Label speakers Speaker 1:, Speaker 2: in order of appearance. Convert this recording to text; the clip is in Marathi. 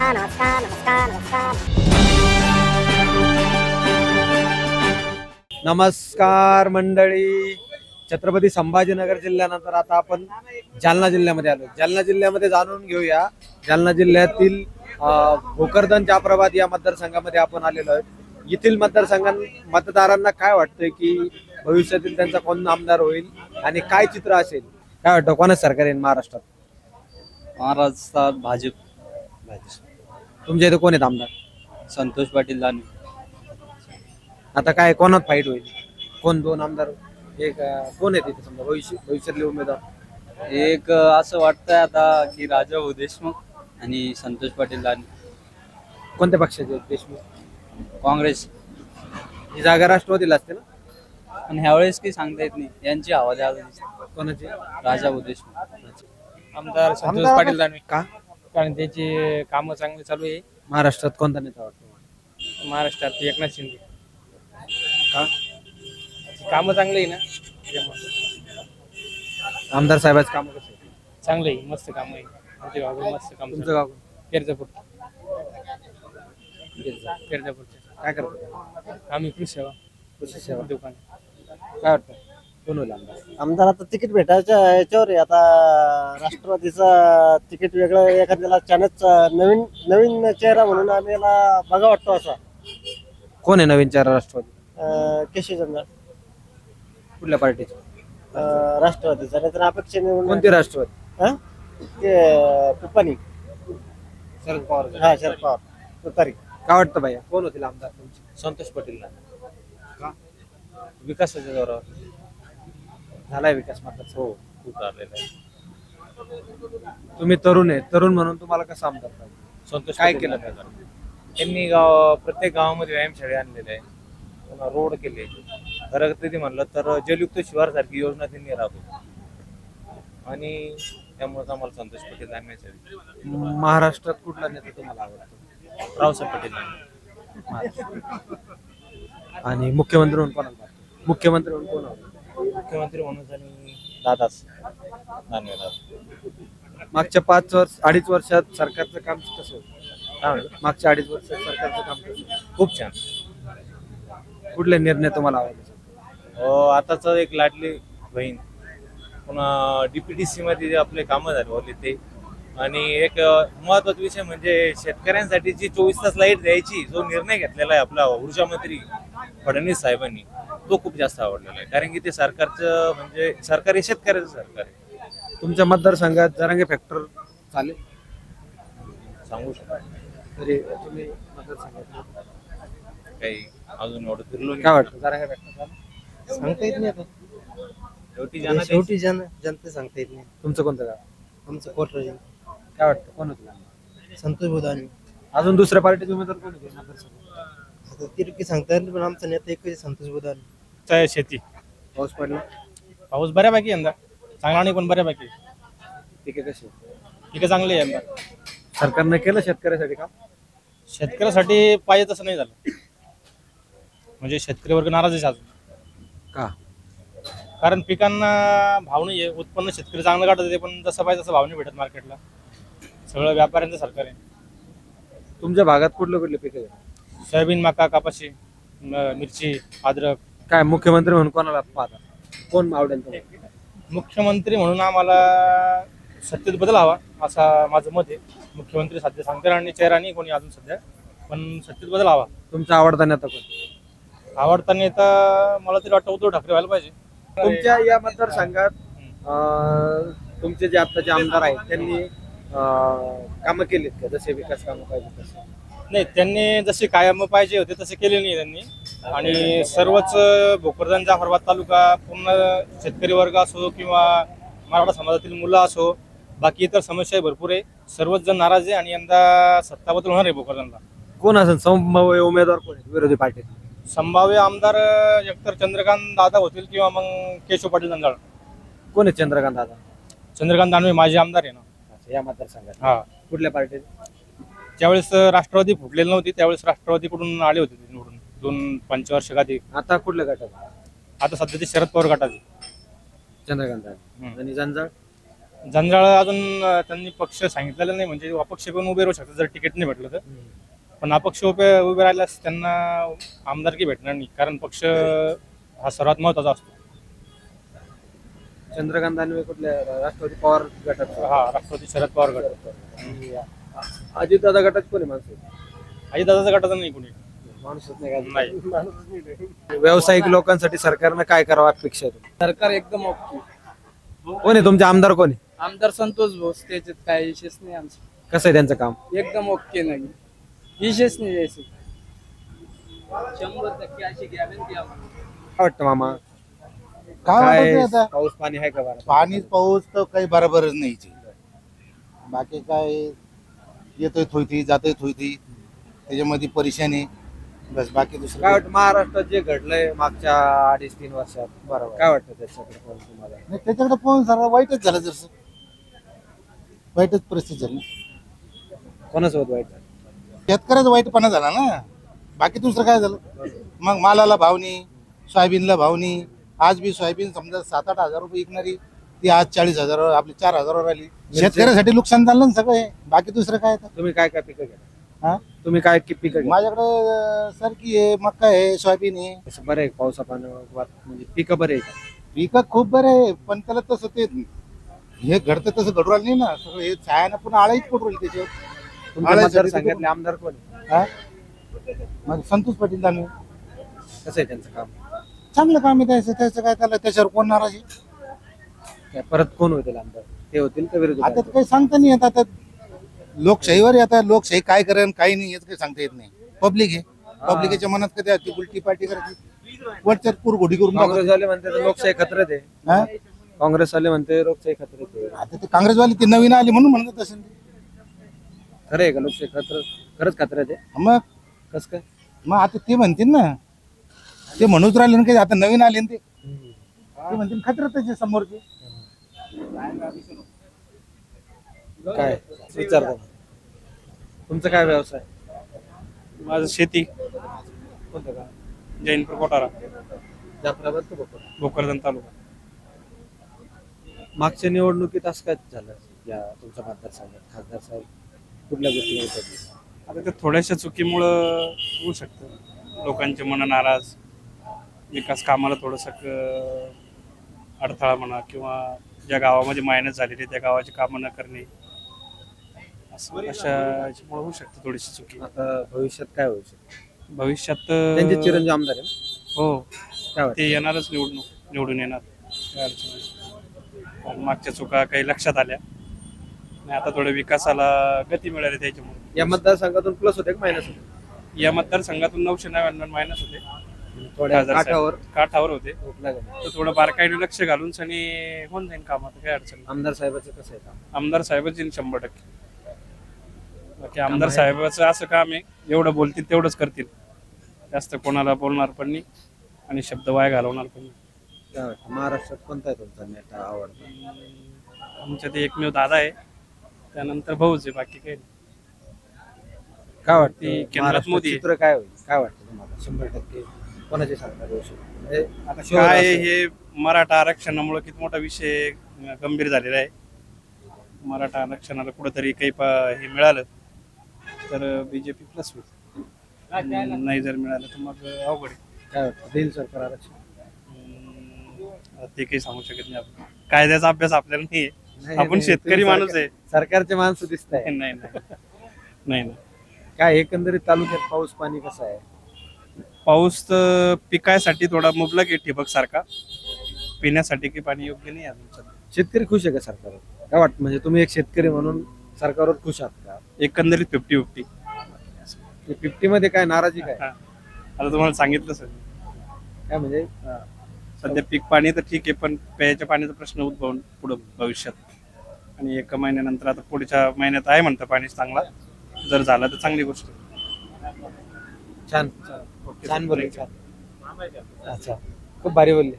Speaker 1: नमस्कार नमस्कार नमस्कार नमस्कार
Speaker 2: नमस्कार मंडळी. छत्रपती संभाजीनगर जिल्ह्यानंतर आता आपण जालना जिल्ह्यामध्ये आलो. जालना जिल्ह्यामध्ये जाणून घेऊया जालना जिल्ह्यातील भोकरदन जाफराबाद या मतदारसंघामध्ये आपण आलेलो आहे. येथील मतदारांना काय वाटतंय की भविष्यातील त्यांचा कोण आमदार होईल आणि काय चित्र असेल, काय वाटतं कोणाच सरकार येईल महाराष्ट्रात?
Speaker 3: महाराष्ट्रात भाजप.
Speaker 2: तुमच्या इथे कोण आहेत आमदार?
Speaker 3: संतोष पाटील दानवे.
Speaker 2: आता काय कोणात फाईट होईल? कोण दोन आमदार एक कोण आहेत इथे समजा भविष्यातले उमेदवार?
Speaker 3: एक असं वाटतंय आता की राजा भाऊ देशमुख आणि संतोष पाटील दानवे.
Speaker 2: कोणत्या पक्षाचे आहेत देशमुख?
Speaker 3: काँग्रेस.
Speaker 2: ही जागा राष्ट्रवादीला असते ना?
Speaker 3: पण ह्यावेळेस काही सांगता येत नाही, यांची हवा द्यावी.
Speaker 2: कोणाची?
Speaker 3: राजा भाऊ देशमुख.
Speaker 4: आमदार संतोष पाटील दानवे.
Speaker 2: का?
Speaker 4: कारण त्याची कामं चांगली चालू आहे.
Speaker 2: महाराष्ट्रात कोणता नेता वाटतो?
Speaker 4: महाराष्ट्रात एकनाथ शिंदे.
Speaker 2: का?
Speaker 4: कामं चांगली आहे ना त्याच्यामुळे.
Speaker 2: आमदार साहेबांचं काम कसं आहे?
Speaker 4: चांगलं आहे, मस्त काम आहे. आमच्या गावात मस्त काम.
Speaker 2: तुमचं गाव
Speaker 4: पेरजापूर. पेरजापूरचे
Speaker 2: काय करतो?
Speaker 4: आम्ही कृषी सेवा
Speaker 2: कृषी सेवा.
Speaker 4: दुकान.
Speaker 2: काय वाटतं कोण होईल आमदार?
Speaker 5: आमदार आता तिकीट भेटायच्या याच्यावर आहे. आता राष्ट्रवादीचा तिकीट वेगळं, एखाद्याला चानच नवीन नवीन चेहरा म्हणून आम्हाला बघा वाटतो असा
Speaker 2: कोण आहे नवीन चार राष्ट्रवादी?
Speaker 5: केशव जंजाळ
Speaker 2: कुठल्या पार्टीचे?
Speaker 5: राष्ट्रवादीचा. नाहीतर अपेक्षेने
Speaker 2: कोणती राष्ट्रवादी?
Speaker 5: ते पिपाणी.
Speaker 2: शरद पवार.
Speaker 5: हा, शरद पवार पिपारी.
Speaker 2: काय वाटतं भैया कोण होतील आमदार तुमचे?
Speaker 3: संतोष पाटील
Speaker 2: का?
Speaker 3: विकासाच्या जोरावर.
Speaker 2: झालाय विकास मात्र?
Speaker 3: हो, खूप झालेला आहे.
Speaker 2: तुम्ही तरुण आहे, तरुण म्हणून तुम्हाला कसं आमदार पाहिजे?
Speaker 3: संतोष
Speaker 2: काय
Speaker 3: पाटील
Speaker 2: केलं
Speaker 3: दानवे. त्यांनी प्रत्येक गावामध्ये व्यायामशाळे आणलेले आहे, पुन्हा रोड केले. प्रगती म्हणलं तर जलयुक्त शिवार सारखी योजना त्यांनी राबवली आणि त्यामुळे आम्हाला संतोष पाटील दानवे.
Speaker 2: महाराष्ट्रात कुठला नेता तुम्हाला आवडतो?
Speaker 3: रावसाहेब पाटील दानवे.
Speaker 2: आणि मुख्यमंत्री म्हणून कोणाला वाटतं? मुख्यमंत्री म्हणून कोण आवडतं?
Speaker 3: मुख्यमंत्री म्हणून आणि दादाच दानवे दादा.
Speaker 2: मागच्या 5-2.5 वर्षात सरकारचं काम कसं होतं? मागच्या 2.5 वर्षात सरकारचं काम कसं होतं?
Speaker 3: खूप छान.
Speaker 2: कुठले निर्णय तुम्हाला आवडले?
Speaker 3: आताच एक लाडली बहीण, पुन्हा DPTC मध्ये जे आपले कामं झाले ते, आणि एक महत्वाचा विषय म्हणजे शेतकऱ्यांसाठी जी 24 तास लाईट द्यायची जो निर्णय घेतलेला आहे आपला ऊर्जा मंत्री फडणवीस साहेबांनी, तो खूप जास्त आवडलेला आहे. कारण की ते सरकारचं म्हणजे सरकार हे शेतकऱ्याचं सरकार आहे.
Speaker 2: तुमच्या मतदारसंघात जरांगे फॅक्टर चालेल?
Speaker 3: सांगू शकतो
Speaker 2: तरी तुम्ही मतदारसंघात
Speaker 3: काही अजून एवढं फिरलो
Speaker 2: काय वाटतं जरांगे फॅक्टर चालेल?
Speaker 5: सांगता येत नाही आता.
Speaker 3: शेवटी
Speaker 5: जनता सांगता येत नाही.
Speaker 2: तुमचं कोणतं गाव?
Speaker 5: आमचं कोटराज.
Speaker 2: काय वाटतं कोण होतं?
Speaker 5: संतोष बुधानी.
Speaker 2: अजून दुसऱ्या पार्टीचे उमेदवार कोण होते मतदारसंघात?
Speaker 5: आता तिरकी सांगता येत नाही, पण आमचा नेता एकच संतोष बुधानी.
Speaker 4: शेती.
Speaker 2: पाऊस पडला?
Speaker 4: पाऊस बऱ्यापैकी यंदा चांगला नाही, पण बऱ्यापैकी
Speaker 2: ठीक आहे. कशी
Speaker 4: पिकं चांगली आहे यंदा.
Speaker 2: सरकारने केलं शेतकऱ्यासाठी काम?
Speaker 4: शेतकऱ्यासाठी पाहिजे तसं नाही झालं. म्हणजे शेतकरी वर्ग नाराज आहे अजून.
Speaker 2: का?
Speaker 4: कारण पिकांना भाव नाही आहे. उत्पन्न शेतकरी चांगलं काढत होते, पण जसं पाहिजे तसं भाव नाही भेटत मार्केटला. सगळं व्यापाऱ्यांचं सरकार आहे.
Speaker 2: तुमच्या भागात कुठले पिकं आहे?
Speaker 4: सोयाबीन, मका, कापाशी, मिरची, अद्रक.
Speaker 2: काय मुख्यमंत्री म्हणून कोणाला पाहता? कोण आवडेल तुम्हाला?
Speaker 4: मुख्यमंत्री म्हणून आम्हाला सत्तेत बदल हवा असा माझं मत आहे. मुख्यमंत्री सध्या सांगते आणि चेहरा नाही कोणी अजून सध्या, पण सत्तेत बदल हवा.
Speaker 2: तुमचा आवडता नेता कोण?
Speaker 4: आवडता नेता मला तरी वाटतं उद्धव ठाकरे व्हायला पाहिजे.
Speaker 2: तुमच्या या मतदारसंघात तुमचे जे आताचे आमदार आहेत त्यांनी कामं केलीत का? जसे विकास कामं पाहिजे तसे?
Speaker 4: नाही, त्यांनी जसे कायम पाहिजे होते तसे केले नाही त्यांनी. आणि सर्वच भोकरदन जाफराबाद तालुका पूर्ण शेतकरी वर्ग असो किंवा मराठा समाजातील मुलं असो, बाकी इतर समस्या भरपूर आहे. सर्वच जण नाराज आहे आणि यंदा सत्ता बदल होणार आहे भोकरदनला.
Speaker 2: कोण असेल संभाव्य उमेदवार कोण आहेत विरोधी पार्टीत?
Speaker 4: संभाव्य आमदार एकतर चंद्रकांत दादा होतील किंवा मग केशव पाटील जंजाळ.
Speaker 2: कोण आहे चंद्रकांत दादा?
Speaker 4: चंद्रकांत दानवे माझे आमदार आहे ना.
Speaker 2: या मतदारसंघात
Speaker 4: हा.
Speaker 2: कुठल्या पार्टीत?
Speaker 4: ज्यावेळेस राष्ट्रवादी फुटलेली नव्हती त्यावेळेस राष्ट्रवादीकडून आले होते ते निवडून 2-5 वर्ष आधी.
Speaker 2: आता कुठल्या गटात?
Speaker 4: आता सध्या ते शरद पवार गटात आहे.
Speaker 2: चंद्रकांत दादा. आणि जंजाळ?
Speaker 4: जंजाळ अजून त्यांनी पक्ष सांगितलेलं नाही, म्हणजे अपक्ष पण उभे राहू शकतात जर तिकीट नाही भेटलं तर. पण अपक्ष उभे राहिल्यास त्यांना आमदारकी भेटणार नाही, कारण पक्ष हा सर्वात महत्वाचा असतो.
Speaker 2: चंद्रकांत दानवे कुठल्या राष्ट्रवादी पवार गटात?
Speaker 4: हा, राष्ट्रवादी शरद पवार गट.
Speaker 2: अजितदादा गटात कोणी माणसं?
Speaker 4: दादाचा गटाचा नाही कोणी.
Speaker 2: माणूसच नाही
Speaker 4: नाही.
Speaker 2: व्यावसायिक लोकांसाठी सरकारनं काय करावं अपेक्षा आहे तुम्हाला?
Speaker 6: सरकार एकदम ओके.
Speaker 2: कोण आहे तुमचे आमदार? कोण आहे?
Speaker 6: आमदार संतोष भोस, त्याच्यात काय विशेष नाही आमचं.
Speaker 2: कसं आहे त्यांचं काम?
Speaker 6: एकदम ओके नाही, विशेष नाही यायचं. 100% अशी गॅरंटी आम्हाला.
Speaker 2: काय वाटतं मामा?
Speaker 7: काय वाटत आता
Speaker 2: पाऊस पाणी आहे का बरं?
Speaker 7: पाणी पाऊस तर काही बरोबरच नाही इथे. बाकी काय येतोय थोयती जातोय थोयती, त्याच्यामध्ये परेशानी बस, बाकी दुसरं
Speaker 2: काय वाटतं महाराष्ट्रात जे घडलंय मागच्या 2.5-3 वर्षात, बरोबर काय वाटतं त्याच्याकडे पण तुम्हाला?
Speaker 7: नाही. त्याच्याकडे पाहून सर वाईटच झालं, जसं वाईटच परिस्थिती झाली.
Speaker 2: कोणासोबत वाईट झालं?
Speaker 7: शेतकऱ्याचा वाईटपणा झाला ना, बाकी दुसरं काय झालं. मग मालाला भाव नाही, सोयाबीनला भाव नाही. आज बी सोयाबीन समजा 7-8 हजार रुपये विकणारी, ती आज 40,000 आपली 4,000 आली. शेतकऱ्यासाठी नुकसान झालं ना सगळं हे, बाकी दुसरं काय आता.
Speaker 2: तुम्ही काय काय पिकं घ्या?
Speaker 7: हा?
Speaker 2: तुम्ही काय पिकं घ्या?
Speaker 7: माझ्याकडे सरकी आहे, मका आहे, सोयाबीन आहे.
Speaker 2: असं बरं आहे पावसा पाण्यावर म्हणजे पिकं बरे आहे का?
Speaker 7: पिकं खूप बरं आहे, पण त्याला तसं ते हे घडतं तसं घडू राहिलं नाही ना. सगळं हे छायानं पुन्हा आळाईच पडू राहिली त्याच्यावर.
Speaker 2: तुमच्या मतदारसंघातले आमदार कोण आहे?
Speaker 7: हा? मग संतोष पाटील दानवे
Speaker 2: कसं आहे त्यांचं काम?
Speaker 7: चांगलं काम आहे त्याचं. त्याचं काय, त्याला त्याच्यावर कोण नाराज आहे?
Speaker 2: काय परत कोण होतील आमदार? ते होतील का विरोधी?
Speaker 7: आता तर काही सांगता नाही येत. आता लोकशाहीवर आहे, आता लोकशाही काय करेन काही नाही याच काही सांगता येत नाही. पब्लिक आहे, पब्लिकेच्या मनात कधी ती उलटी पार्टी करायची, वरच्या घोडी करून टाकायची.
Speaker 2: काँग्रेसवाले म्हणते तर लोकशाही खतऱ्यात आहे.
Speaker 7: हा?
Speaker 2: काँग्रेसवाले म्हणते लोकशाही खतऱ्यात आहे.
Speaker 7: आता ते काँग्रेसवाली ती नवीन आली म्हणून म्हणत असेल ते.
Speaker 2: खरं आहे का लोकशाही खरंच खतऱ्यात आहे?
Speaker 7: मग
Speaker 2: कसं काय?
Speaker 7: मग आता ते म्हणतील ना, ते म्हणूच राहिले ना काही, आता नवीन आले ना ते म्हणतील खतरतच समोरचे.
Speaker 2: काय विचारता? तुमचा काय व्यवसाय?
Speaker 4: माझं शेती,
Speaker 2: कोणतं का?
Speaker 4: जैनपूर कोटारा,
Speaker 2: जाफराबाद का भोकर?
Speaker 4: भोकरदन तालुका.
Speaker 2: मागच्या निवडणुकीत असं काय झालं या तुमच्या मतदारसंघात? खासदार साहेब कुठल्या गोष्टी होतात?
Speaker 4: आता ते थोड्याशा चुकीमुळं होऊ शकतं, लोकांचे मन नाराज, विकास कामाला थोडंसं अडथळा म्हणा, किंवा ज्या गावामध्ये मायनस झालेली त्या गावाची कामं न करणे, अशा याच्यामुळे होऊ शकतं थोडीशी चुकी.
Speaker 2: आता भविष्यात काय होऊ शकतं?
Speaker 4: भविष्यात
Speaker 2: त्यांचे चिरंजीव आमदार आहे ना?
Speaker 4: हो,
Speaker 2: काय वाटतं?
Speaker 4: ते येणारच निवडून येणार, काय अडचण नाही. कारण मागच्या चुका काही लक्षात आल्या आणि आता थोडं विकासाला गती मिळाली त्याच्यामुळे.
Speaker 2: या मतदारसंघातून प्लस होते का मायनस होते?
Speaker 4: या मतदारसंघातून 999 मायनस होते,
Speaker 2: थोड्या
Speaker 4: खासदार साहेब
Speaker 2: काठावर
Speaker 4: काठावर होते.
Speaker 2: झोपला गेला.
Speaker 4: तर थोडं बारकाईने लक्ष घालून सनी होऊन जाईल काम, आता काय अडचण नाही.
Speaker 2: आमदार साहेबाचं कसं आहे काम?
Speaker 4: आमदार साहेबच येईल 100%. बाकी आमदार साहेबाचं असं काम आहे, एवढं बोलतील तेवढंच करतील, जास्त कोणाला बोलणार पण नाही आणि शब्द वाया घालवणार पण नाही.
Speaker 2: काय वाटतं महाराष्ट्रात कोणता आहे तुमचा नेता आवडता?
Speaker 4: आमच्या ते एकमेव दादा आहे, त्यानंतर भाऊच आहे, बाकी काही नाही.
Speaker 2: काय
Speaker 4: ती
Speaker 2: वाटतं
Speaker 4: केंद्रात
Speaker 2: महाराष्ट्रात
Speaker 4: मोदी आहे.
Speaker 2: चित्र काय होईल? काय वाटतं तुम्हाला? 100% कोणाचे सरकार येऊ शकतं? म्हणजे
Speaker 4: आता
Speaker 2: शोध
Speaker 4: काय
Speaker 2: असेल.
Speaker 4: हे मराठा आरक्षणामुळे किती मोठा विषय गंभीर झालेला आहे. मराठा आरक्षणाला कुठंतरी काही हे मिळालं तर बीजेपी प्लस होईल, नाही जर मिळालं तर मग अवघड आहे.
Speaker 2: काय वाटतं देईल सरकार आरक्षण?
Speaker 4: आता ते काही सांगू शकत नाही आपण, कायद्याचा अभ्यास आपल्याला नाही आहे. आपण शेतकरी
Speaker 2: तुम्ही
Speaker 4: माणूस आहे.
Speaker 2: सरकारचे माणसं दिसत आहे.
Speaker 4: नाही नाही.
Speaker 2: काय एकंदरीत तालुक्यात पाऊस पाणी कसं आहे?
Speaker 4: पाऊस तर पिकायसाठी थोडा मुबलक आहे, ठिबक सारखा. पिण्यासाठी काही पाणी योग्य नाही अजून सध्या.
Speaker 2: शेतकरी खुश आहे का सरकारवर? काय वाटतं म्हणजे तुम्ही एक शेतकरी म्हणून सरकारवर खुश आहात का?
Speaker 4: एकंदरीत 50-50.
Speaker 2: 50 मध्ये काय नाराजी काय?
Speaker 4: आता तुम्हाला सांगितलं सर,
Speaker 2: काय म्हणजे
Speaker 4: सध्या पीक पाणी तर ठीक आहे, पण प्यायच्या पाण्याचा प्रश्न उद्भवून पुढं भविष्यात, आणि एका महिन्यानंतर आता पुढच्या महिन्यात आहे म्हणतं पाणी चांगला, जर झाला तर चांगली गोष्ट.
Speaker 2: छान छान बोलले, छान. अच्छा, खूप भारी बोलले.